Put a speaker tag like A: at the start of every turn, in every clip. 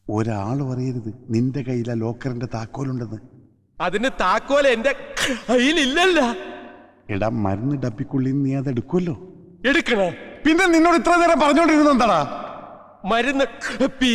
A: ഒരാൾ പറയരുത് നിന്റെ കയ്യിലെ ലോക്കറിന്റെ താക്കോലുണ്ടെന്ന്.
B: അതിന് താക്കോൽ എന്റെ കയ്യിലില്ലല്ല.
A: എടാ, മരുന്ന് ഡപ്പിക്കുള്ളിൽ നീ അത് എടുക്കുമല്ലോ.
B: എടുക്കണേ.
A: പിന്നെ നിന്നോട് ഇത്ര നേരം പറഞ്ഞോണ്ടിരുന്ന എന്താടാ?
B: മരുന്ന് ഡപ്പി.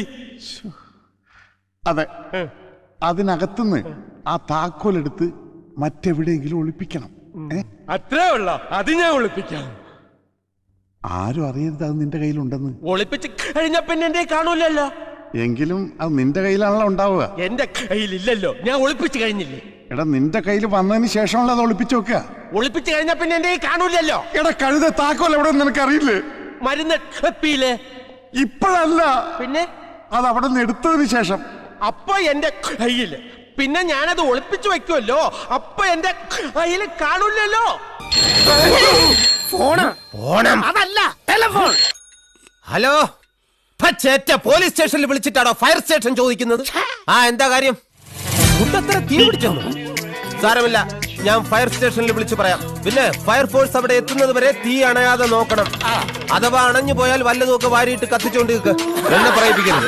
A: അതെ, അതിനകത്തുനിന്ന് ആ താക്കോലെടുത്ത് മറ്റെവിടെയെങ്കിലും ഒളിപ്പിക്കണം.
B: അത്രേ ഉള്ള. അത് ഞാൻ ഒളിപ്പിക്കാം.
A: ആരും അറിയരുത് അത് നിന്റെ കയ്യിലുണ്ടെന്ന്.
B: ഒളിപ്പിച്ച് കഴിഞ്ഞ പിന്നെ എന്റെ കാണൂലല്ലോ.
A: എങ്കിലും അത് നിന്റെ കയ്യിലാണല്ലോ ഉണ്ടാവുക.
B: എന്റെ കയ്യിലില്ലല്ലോ, ഞാൻ ഒളിപ്പിച്ച് കഴിഞ്ഞില്ലേ.
A: എടാ, നിന്റെ കയ്യിൽ വന്നതിന് ശേഷമല്ല അത് ഒളിപ്പിച്ചു വെക്കുക.
B: ഒളിപ്പിച്ച് കഴിഞ്ഞ പിന്നെ എന്റെ കാണൂലല്ലോ.
A: എടാ കഴുത, താക്കോൽ എവിടെ നിനക്കറിയില്ലേ?
B: മരുന്ന് ഡപ്പിയിലെ.
A: ഇപ്പോഴല്ല,
B: പിന്നെ
A: അത് അവിടെ നിന്ന് എടുത്തതിന് ശേഷം.
B: അപ്പൊ എന്റെ കയ്യില്, പിന്നെ ഞാനത് ഒളിപ്പിച്ചു വെക്കുമല്ലോ. അപ്പൊ എന്റെ കയ്യില് കാണൂലല്ലോ.
C: അതല്ല ടെലിഫോൺ. ഹലോ, പോലീസ് സ്റ്റേഷനിൽ വിളിച്ചിട്ടാണോ ഫയർ സ്റ്റേഷൻ ചോദിക്കുന്നത്? ആ, എന്താ കാര്യം? മുട്ടത്ര തീ പിടിച്ചെന്നു? സാരമില്ല, ഞാൻ ഫയർ സ്റ്റേഷനിൽ വിളിച്ചു പറയാം. പിന്നെ ഫയർഫോഴ്സ് അവിടെ എത്തുന്നത് വരെ തീ അണയാതെ നോക്കണം. അഥവാ അണഞ്ഞു പോയാൽ വല്ലതുമൊക്കെ വാരിയിട്ട് കത്തിച്ചോണ്ട് എന്നെ പറയിപ്പിക്കരുത്.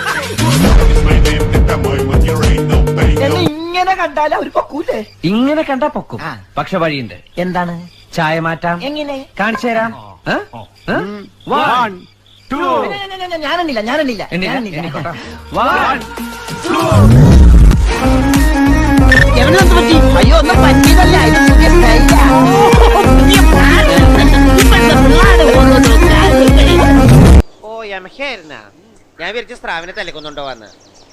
D: ഇങ്ങനെ കണ്ടാൽ അവർ പൊക്കൂലേ?
E: ഇങ്ങനെ കണ്ടാ പൊക്കും. പക്ഷെ വഴിയുണ്ട്.
D: എന്താണ്?
E: ചായ മാറ്റാം.
D: എങ്ങനെ?
E: കാണിച്ചു തരാം.
D: ഞാനെണ്ണില്ല. അയ്യോ, ഒന്നും പറ്റിയതല്ല.
F: ഓ, യമഹയായിരുന്ന ഞാൻ വിരിച്ച സ്രാവിനെ തലക്കൊന്നുണ്ടോ വന്ന്.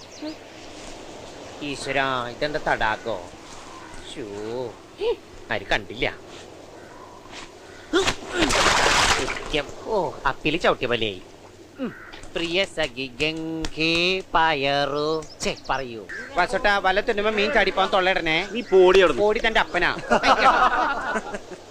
F: ഈശ്വരാ, ഇതെന്താ തടാകോ? ഷൂ, ആര് കണ്ടില്ല. ഓ, അപ്പില് ചവിട്ടിയ പോലെയായി. പ്രിയ സഖി ഗംഗേ പയറു പറയൂ. വസോട്ടാ, വല്ല തുന്നുമ്പോ മീൻ ചാടിപ്പോൻ തൊള്ളയിടണേ. നീ പോടി തന്റെ അപ്പനാ.